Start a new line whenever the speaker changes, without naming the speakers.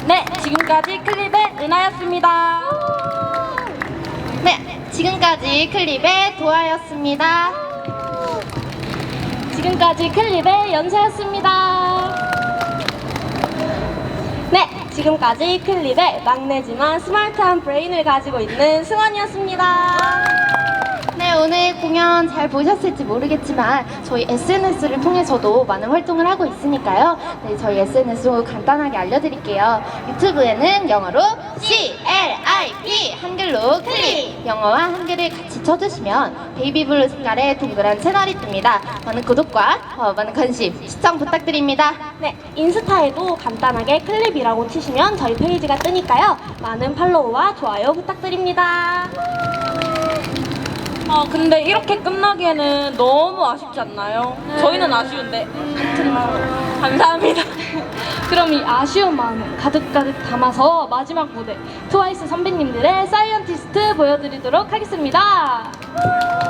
네, 지금까지 클립의 은하였습니다.
네, 지금까지 클립의 도아였습니다.
지금까지 클립의 연세였습니다. 네, 지금까지 클립의 막내지만 스마트한 브레인을 가지고 있는 승원이었습니다.
네, 오늘 공연 잘 보셨을지 모르겠지만 저희 SNS를 통해서도 많은 활동을 하고 있으니까요. 네, 저희 SNS 간단하게 알려드릴게요. 유튜브에는 영어로 CLIP, 한글로 클립, 영어와 한글을 같이 쳐주시면 베이비블루 색깔의 동그란 채널이 뜹니다. 많은 구독과 많은 관심, 시청 부탁드립니다.
네, 인스타에도 간단하게 클립이라고 치시면 저희 페이지가 뜨니까요. 많은 팔로우와 좋아요 부탁드립니다.
근데 이렇게 끝나기에는 너무 아쉽지 않나요? 저희는 아쉬운데. 감사합니다.
그럼 이 아쉬운 마음을 가득가득 담아서 마지막 무대 트와이스 선배님들의 사이언티스트 보여드리도록 하겠습니다.